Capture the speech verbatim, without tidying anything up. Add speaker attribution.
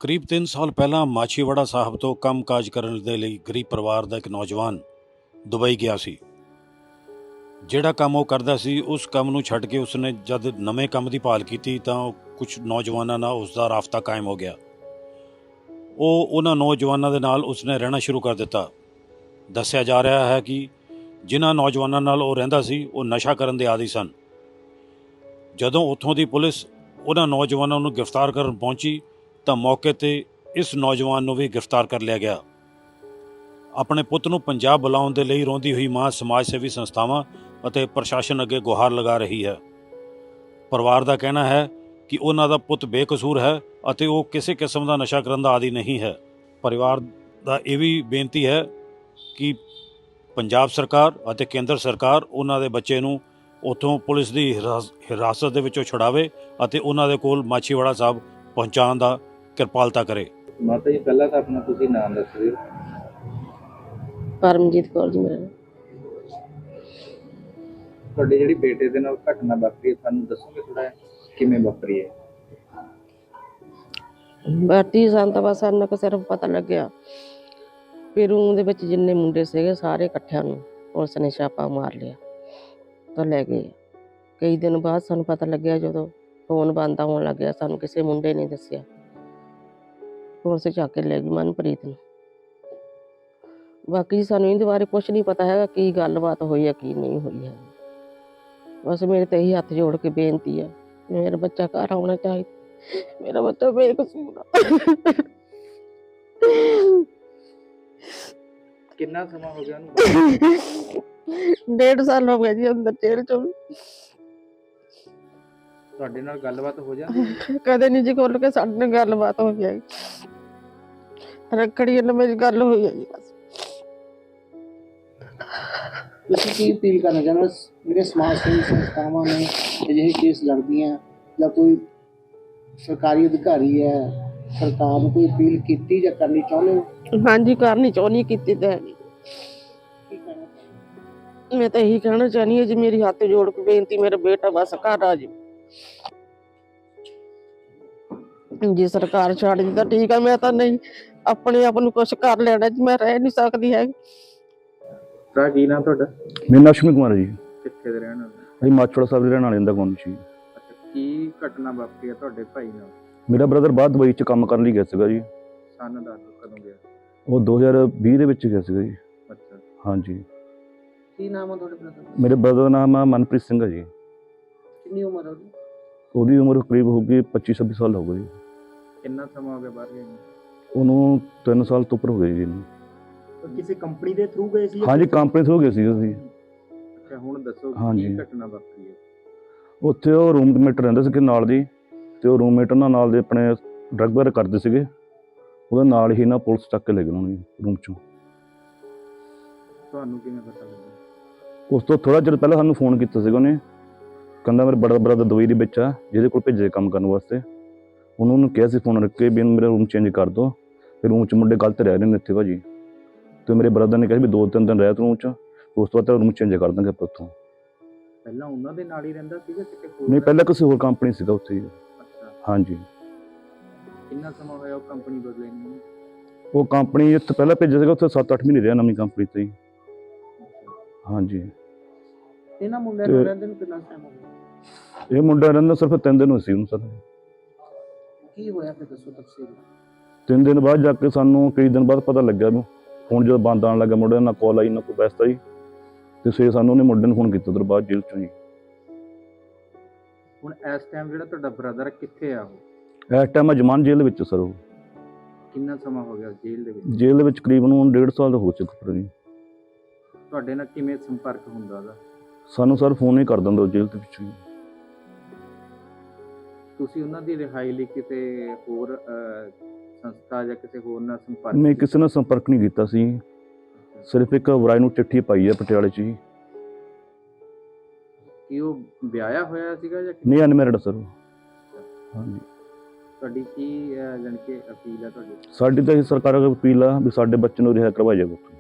Speaker 1: ਕਰੀਬ ਤਿੰਨ ਸਾਲ ਪਹਿਲਾਂ ਮਾਛੀਵਾੜਾ ਸਾਹਿਬ ਤੋਂ ਕੰਮਕਾਜ ਕਰਨ ਦੇ ਲਈ ਗਰੀਬ ਪਰਿਵਾਰ ਦਾ ਇੱਕ ਨੌਜਵਾਨ ਦੁਬਈ ਗਿਆ ਸੀ। ਜਿਹੜਾ ਕੰਮ ਉਹ ਕਰਦਾ ਸੀ ਉਸ ਕੰਮ ਨੂੰ ਛੱਡ ਕੇ ਉਸਨੇ ਜਦ ਨਵੇਂ ਕੰਮ ਦੀ ਭਾਲ ਕੀਤੀ ਤਾਂ ਕੁਝ ਨੌਜਵਾਨਾਂ ਨਾਲ ਉਸ ਦਾ ਰਾਬਤਾ ਕਾਇਮ ਹੋ ਗਿਆ। ਉਹ ਉਹਨਾਂ ਨੌਜਵਾਨਾਂ ਦੇ ਨਾਲ ਉਸਨੇ ਰਹਿਣਾ ਸ਼ੁਰੂ ਕਰ ਦਿੱਤਾ। ਦੱਸਿਆ ਜਾ ਰਿਹਾ ਹੈ ਕਿ ਜਿਨ੍ਹਾਂ ਨੌਜਵਾਨਾਂ ਨਾਲ ਉਹ ਰਹਿੰਦਾ ਸੀ ਉਹ ਨਸ਼ਾ ਕਰਨ ਦੇ ਆਦੀ ਸਨ। ਜਦੋਂ ਉੱਥੋਂ ਦੀ ਪੁਲਿਸ ਉਹਨਾਂ ਨੌਜਵਾਨਾਂ ਨੂੰ ਗ੍ਰਿਫਤਾਰ ਕਰਨ ਪਹੁੰਚੀ ਤਾਂ ਮੌਕੇ 'ਤੇ ਇਸ ਨੌਜਵਾਨ ਨੂੰ ਵੀ ਗ੍ਰਿਫਤਾਰ ਕਰ ਲਿਆ ਗਿਆ। ਆਪਣੇ ਪੁੱਤ ਨੂੰ ਪੰਜਾਬ ਬੁਲਾਉਣ ਦੇ ਲਈ ਰੋਂਦੀ ਹੋਈ ਮਾਂ ਸਮਾਜ ਸੇਵੀ ਸੰਸਥਾਵਾਂ ਅਤੇ ਪ੍ਰਸ਼ਾਸਨ ਅੱਗੇ ਗੁਹਾਰ ਲਗਾ ਰਹੀ ਹੈ। ਪਰਿਵਾਰ ਦਾ ਕਹਿਣਾ ਹੈ ਕਿ ਉਹਨਾਂ ਦਾ ਪੁੱਤ ਬੇਕਸੂਰ ਹੈ ਅਤੇ ਉਹ ਕਿਸੇ ਕਿਸਮ ਦਾ ਨਸ਼ਾ ਕਰਨ ਦਾ ਆਦੀ ਨਹੀਂ ਹੈ। ਪਰਿਵਾਰ ਦਾ ਇਹ ਵੀ ਬੇਨਤੀ ਹੈ ਕਿ ਪੰਜਾਬ ਸਰਕਾਰ ਅਤੇ ਕੇਂਦਰ ਸਰਕਾਰ ਉਹਨਾਂ ਦੇ ਬੱਚੇ ਨੂੰ ਉੱਥੋਂ ਪੁਲਿਸ ਦੀ ਹਿਰਾਸਤ ਦੇ ਵਿੱਚੋਂ ਛੁਡਾਵੇ ਅਤੇ ਉਹਨਾਂ ਦੇ ਕੋਲ ਮਾਛੀਵਾੜਾ ਸਾਹਿਬ ਪਹੁੰਚਾਉਣ ਦਾ ਕਿਰਪਾਲਤਾ ਕਰੇ।
Speaker 2: ਮਾਤਾ ਜੀ ਪਹਿਲਾਂ ਤਾਂ ਆਪਣਾ ਤੁਸੀਂ ਨਾਮ ਦੱਸ ਦਿਓ।
Speaker 3: ਪਰਮਜੀਤ ਕੌਰ ਜੀ ਮੇਰਾ।
Speaker 2: ਤੁਹਾਡੇ ਜਿਹੜੀ ਬੇਟੇ ਦੇ ਨਾਲ ਘਟਨਾ ਵਾਪਰੀ ਹੈ ਸਾਨੂੰ ਦੱਸੋਗੇ ਥੋੜਾ ਕਿਵੇਂ ਵਾਪਰੀ ਹੈ?
Speaker 3: ਬਾਟੀ ਸੰਤ ਬਸ ਸਾਨੂੰ ਕਿ ਸਿਰਫ ਪਤਾ ਲੱਗਿਆ ਵੀ ਰੂਮ ਦੇ ਵਿੱਚ ਜਿੰਨੇ ਮੁੰਡੇ ਸੀਗੇ ਸਾਰੇ ਇਕੱਠਿਆਂ ਨੂੰ ਪੁਲਿਸ ਨੇ ਛਾਪਾ ਮਾਰ ਲਿਆ ਤਾਂ ਲੈ ਗਏ। ਕਈ ਦਿਨ ਬਾਅਦ ਸਾਨੂੰ ਪਤਾ ਲੱਗਿਆ ਜਦੋਂ ਫੋਨ ਬੰਦ ਹੋਣ ਲੱਗਿਆ, ਸਾਨੂੰ ਕਿਸੇ ਮੁੰਡੇ ਨੇ ਦੱਸਿਆ, ਪੁਲਿਸ ਚੱਕ ਕੇ ਲੈ ਗਈ ਮਨਪ੍ਰੀਤ ਨੂੰ। ਬਾਕੀ ਸਾਨੂੰ ਇਹਦੇ ਬਾਰੇ ਕੁਛ ਨਹੀਂ ਪਤਾ ਹੈਗਾ ਕੀ ਗੱਲਬਾਤ ਹੋਈ ਹੈ ਕੀ ਨਹੀਂ ਹੋਈ ਹੈ। ਬਸ ਮੇਰੇ ਤੇ ਇਹੀ ਹੱਥ ਜੋੜ ਕੇ ਬੇਨਤੀ ਹੈ ਮੇਰਾ ਬੱਚਾ ਘਰ ਆਉਣਾ ਚਾਹੀਦਾ, ਮੇਰਾ ਬੱਚਾ ਬੇਕਸੂਰ ਆ।
Speaker 2: ਕਿੰਨਾ ਸਮਾਂ ਹੋ ਗਿਆ ਉਹਨੂੰ?
Speaker 3: ਡੇਢ ਸਾਲ ਹੋ ਗਿਆ ਜੀ ਅੰਦਰ ਜੇਲ੍ਹ ਚ।
Speaker 2: ਤੁਹਾਡੇ ਨਾਲ ਗੱਲਬਾਤ ਹੋ ਜਾਂਦੀ ਹੈ?
Speaker 3: ਕਦੇ ਨਹੀਂ ਜੀ ਖੁੱਲ ਕੇ ਸਾਡੇ ਨਾਲ ਗੱਲਬਾਤ ਹੋਈ ਹੈ। ਰੱਖੜੀ ਨਾਲ ਮੇਰੀ ਗੱਲ ਹੋਈ ਹੈ ਜੀ ਬਸ।
Speaker 4: ਤੁਸੀਂ ਕੀ ਅਪੀਲ ਕਰਨਾ ਚਾਹੁੰਦੇ ਹੋ ਜਿਹੜੇ ਸਮਾਜ ਸੇਵੀ ਸੰਸਥਾਵਾਂ ਨੇ ਅਜਿਹੇ ਕੇਸ ਲੜਦੀਆਂ ਜਾਂ ਕੋਈ ਸਰਕਾਰੀ ਅਧਿਕਾਰੀ ਹੈ, ਸਰਕਾਰ ਨੂੰ ਕੋਈ ਅਪੀਲ ਕੀਤੀ ਜਾਂ ਕਰਨੀ ਚਾਹੁੰਦੇ ਹੋ?
Speaker 3: ਹਾਂਜੀ ਕਰਨੀ ਚਾਹੁੰਦੀ ਕੀਤੀ ਤਾਂ ਹੈ ਨਹੀਂ।
Speaker 4: ਕੀ ਕਹਿਣਾ?
Speaker 3: ਮੈਂ ਤਾਂ ਇਹੀ ਕਹਿਣਾ ਚਾਹੁੰਦੀ ਹਾਂ ਜੀ ਮੇਰੀ ਹੱਥ ਜੋੜ ਕੇ ਬੇਨਤੀ ਮੇਰਾ ਬੇਟਾ ਬਸ ਘਰ ਆ ਜੀ। ਜੇ ਸਰਕਾਰ ਛੱਡ ਦੀ ਤਾਂ ਠੀਕ ਆ, ਮੈਂ ਤਾਂ ਨਹੀਂ ਆਪਣੇ ਆਪ ਨੂੰ ਕੁਛ ਕਰ ਲੈਣਾ ਜੀ, ਮੈਂ ਰਹਿ ਨਹੀਂ ਸਕਦੀ ਹੈ।
Speaker 2: ਤਾਂ ਕੀ ਨਾਮ ਤੁਹਾਡਾ?
Speaker 5: ਮੇਰਾ ਨਾਮ ਅਸ਼ਵਨੀ ਕੁਮਾਰ ਹੈ ਜੀ।
Speaker 2: ਕਿੱਥੇ ਦੇ ਰਹਿਣ ਵਾਲੇ?
Speaker 5: ਅਸੀਂ ਮਾਛੀਵਾੜਾ ਸਾਹਿਬ ਦੇ ਰਹਿਣ ਵਾਲੇ ਹਾਂ ਗੌਂਡ ਜੀ।
Speaker 2: ਅੱਛਾ, ਕੀ ਘਟਨਾ ਵਾਪਰੀ ਹੈ ਤੁਹਾਡੇ ਭਾਈ ਨਾਲ?
Speaker 5: ਮੇਰਾ ਬ੍ਰਦਰ ਬਾਹਰ ਦੁਬਈ 'ਚ ਕੰਮ ਕਰਨ ਲਈ ਗਿਆ ਸੀਗਾ ਜੀ।
Speaker 2: ਸਨ ਦੱਸ ਕਦੋਂ ਗਿਆ?
Speaker 5: ਉਹ ਦੋ ਹਜ਼ਾਰ ਵੀਹ ਦੇ ਵਿੱਚ ਗਿਆ ਸੀਗਾ ਜੀ।
Speaker 2: ਅੱਛਾ,
Speaker 5: ਹਾਂਜੀ।
Speaker 4: ਕੀ ਨਾਮ ਹੈ ਤੁਹਾਡੇ ਬ੍ਰਦਰ?
Speaker 5: ਮੇਰੇ ਬ੍ਰਦਰ ਦਾ ਨਾਮ ਆ ਮਨਪ੍ਰੀਤ ਸਿੰਘ ਹੈ ਜੀ।
Speaker 4: ਕਿੰਨੀ ਉਮਰ ਹੈ ਉਹਦੀ?
Speaker 5: ਉਹਦੀ ਉਮਰ ਕਰੀਬ ਹੋਊਗੀ ਪੱਚੀ ਛੱਬੀ ਸਾਲ ਹੋ ਗਈ ਜੀ।
Speaker 2: ਕਿੰਨਾ ਸਮਾਂ ਹੋ ਗਿਆ ਬਾਹਰ ਗਏ ਨੂੰ?
Speaker 5: ਉਹਨੂੰ ਤਿੰਨ ਸਾਲ ਤੋਂ ਉੱਪਰ ਹੋ ਗਏ ਜੀ ਇਹਨੂੰ।
Speaker 4: ਕਿਸੇ ਕੰਪਨੀ ਦੇ ਥਰੂ ਗਏ ਸੀ?
Speaker 5: ਹਾਂਜੀ ਕੰਪਨੀ ਤੋਂ ਗਏ ਸੀ ਅਸੀਂ।
Speaker 2: ਅੱਛਾ, ਹੁਣ ਦੱਸੋ
Speaker 5: ਹਾਂਜੀ।
Speaker 2: ਕੀ ਘਟਨਾ ਵਾਪਰੀ ਹੈ?
Speaker 5: ਉੱਥੇ ਉਹ ਰੂਮਮੇਟ ਰਹਿੰਦੇ ਸੀਗੇ ਨਾਲ ਦੀ, ਅਤੇ ਉਹ ਰੂਮਮੇਟ ਉਹਨਾਂ ਨਾਲ ਦੇ ਆਪਣੇ ਡਰੱਗ ਵਗੈਰਾ ਕਰਦੇ ਸੀਗੇ। ਉਹਦੇ ਨਾਲ ਹੀ ਨਾ ਪੁਲਿਸ ਚੱਕ ਕੇ ਲੈ ਗਏ ਉਹਨੂੰ ਰੂਮ 'ਚੋਂ।
Speaker 2: ਤੁਹਾਨੂੰ ਕਿਵੇਂ ਪਤਾ ਲੱਗਾ?
Speaker 5: ਉਸ ਤੋਂ ਥੋੜ੍ਹਾ ਚਿਰ ਪਹਿਲਾਂ ਸਾਨੂੰ ਫੋਨ ਕੀਤਾ ਸੀਗਾ ਉਹਨੇ, ਕਹਿੰਦਾ ਮੇਰਾ ਬੜਾ ਬ੍ਰਦਰ ਦੁਬਈ ਦੇ ਵਿੱਚ ਆ ਜਿਹਦੇ ਕੋਲ ਭੇਜੇ ਕੰਮ ਕਰਨ ਵਾਸਤੇ। ਉਹਨੂੰ ਉਹਨੂੰ ਕਿਹਾ ਸੀ ਫੋਨ ਰੱਖ ਕੇ ਵੀ ਮੇਰਾ ਰੂਮ ਚੇਂਜ ਕਰ ਦਿਓ, ਫਿਰ ਰੂਮ 'ਚ ਮੁੰਡੇ ਗਲਤ ਰਹਿ ਰਹੇ ਨੇ ਇੱਥੇ ਭਾਜੀ। ਅਤੇ ਮੇਰੇ ਬ੍ਰਦਰ ਨੇ ਕਿਹਾ ਵੀ ਦੋ ਤਿੰਨ ਦਿਨ ਰਹਿ ਤੂੰ ਰੂਮ 'ਚ, ਉਸ ਤੋਂ ਬਾਅਦ ਤੇਰਾ ਰੂਮ ਚੇਂਜ ਕਰ ਦਾਂਗੇ ਆਪਾਂ ਉੱਥੋਂ।
Speaker 2: ਪਹਿਲਾਂ ਉਹਨਾਂ ਦੇ ਨਾਲ ਹੀ ਰਹਿੰਦਾ ਸੀਗਾ ਕਿਤੇ ਹੋਰ?
Speaker 5: ਨਹੀਂ ਪਹਿਲਾਂ ਕਿਸੇ ਹੋਰ ਕੰਪਨੀ ਸੀਗਾ ਉੱਥੇ ਹੀ।
Speaker 2: ਅੱਛਾ,
Speaker 5: ਹਾਂਜੀ।
Speaker 2: ਕਿੰਨਾ ਸਮਾਂ ਹੋਇਆ ਉਹ ਕੰਪਨੀ ਬਦਲੇ ਨੂੰ?
Speaker 5: ਉਹ ਕੰਪਨੀ ਇੱਥੇ ਪਹਿਲਾਂ ਭੇਜਿਆ ਸੀਗਾ, ਉੱਥੇ ਸੱਤ ਅੱਠ ਮਹੀਨੇ ਰਿਹਾ ਨਵੀਂ ਕੰਪਨੀ 'ਤੇ ਹੀ। ਹਾਂਜੀ।
Speaker 4: ਇਹਨਾਂ ਮੁੰਡਿਆਂ ਨੂੰ ਰਹਿੰਦੇ ਨੂੰ ਕਿੰਨਾ ਟਾਈਮ ਹੋ ਗਿਆ?
Speaker 5: ਇਹ ਮੁੰਡਾ ਰਹਿੰਦਾ ਸਿਰਫ ਤਿੰਨ ਦਿਨ ਹੋਏ ਸੀ ਉਹਨੂੰ ਸਰ।
Speaker 4: ਕੀ ਹੋਇਆ ਫਿਰ ਦੱਸੋ ਤਫਸੀਲ।
Speaker 5: ਤਿੰਨ ਦਿਨ ਬਾਅਦ ਜਾ ਕੇ ਸਾਨੂੰ ਕਈ ਦਿਨ ਬਾਅਦ ਪਤਾ ਲੱਗਿਆ ਵੀ ਫੋਨ ਜਦੋਂ ਬੰਦ ਆਉਣ ਲੱਗਾ ਮੁੰਡੇ ਨਾਲ ਕਾਲ ਆਈ ਨਾ ਕੋਈ ਪੈਸਾ ਜੀ, ਅਤੇ ਫਿਰ ਸਾਨੂੰ ਉਹਨੇ ਮੁੰਡੇ ਨੂੰ ਫੋਨ ਕੀਤਾ ਉਧਰ ਬਾਅਦ ਜੇਲ੍ਹ 'ਚੋਂ ਜੀ।
Speaker 2: ਹੁਣ ਇਸ ਟਾਈਮ ਜਿਹੜਾ ਤੁਹਾਡਾ ਬ੍ਰਦਰ ਕਿੱਥੇ ਆ ਉਹ?
Speaker 5: ਇਸ ਟਾਈਮ ਅਜਮਾਨ ਜੇਲ੍ਹ ਵਿੱਚ ਸਰ। ਉਹ
Speaker 2: ਕਿੰਨਾ ਸਮਾਂ ਹੋ ਗਿਆ ਜੇਲ੍ਹ ਦੇ ਵਿੱਚ?
Speaker 5: ਜੇਲ੍ਹ ਦੇ ਵਿੱਚ ਕਰੀਬਨ ਹੁਣ ਡੇਢ ਸਾਲ ਦਾ ਹੋ ਚੁੱਕਾ ਜੀ।
Speaker 2: ਤੁਹਾਡੇ ਨਾਲ ਕਿਵੇਂ ਸੰਪਰਕ ਹੁੰਦਾ ਉਹਦਾ?
Speaker 5: ਸਾਨੂੰ ਸਰ ਫੋਨ ਹੀ ਕਰ ਦਿੰਦਾ ਉਹ ਜੇਲ੍ਹ ਦੇ ਵਿੱਚ ਹੀ।
Speaker 2: ਤੁਸੀਂ ਉਹਨਾਂ ਦੀ ਰਿਹਾਈ ਲਈ ਕਿਤੇ ਹੋਰ ਸੰਸਥਾ ਜਾਂ ਕਿਸੇ ਹੋਰ ਨਾਲ ਸੰਪਰਕ?
Speaker 5: ਮੈਂ ਕਿਸੇ ਨਾਲ ਸੰਪਰਕ ਨਹੀਂ ਕੀਤਾ ਸੀ, ਸਿਰਫ ਇੱਕ ਵਰਾਏ ਨੂੰ ਚਿੱਠੀ ਪਾਈ ਹੈ ਪਟਿਆਲੇ 'ਚ ਹੀ।
Speaker 2: ਕੀ ਉਹ ਵਿਆਹਿਆ ਹੋਇਆ ਸੀਗਾ ਜਾਂ
Speaker 5: ਨਹੀਂ ਅਨਮੈਰਿਡ ਸਰ। ਹਾਂਜੀ।
Speaker 2: ਤੁਹਾਡੀ ਕੀ ਜਾਣੀ ਕਿ ਅਪੀਲ ਹੈ ਤੁਹਾਡੀ?
Speaker 5: ਸਾਡੀ ਤਾਂ ਇਹ ਸਰਕਾਰ ਅੱਗੇ ਅਪੀਲ ਆ ਵੀ ਸਾਡੇ ਬੱਚੇ ਨੂੰ ਰਿਹਾ ਕਰਵਾਇਆ ਜਾਵੇ।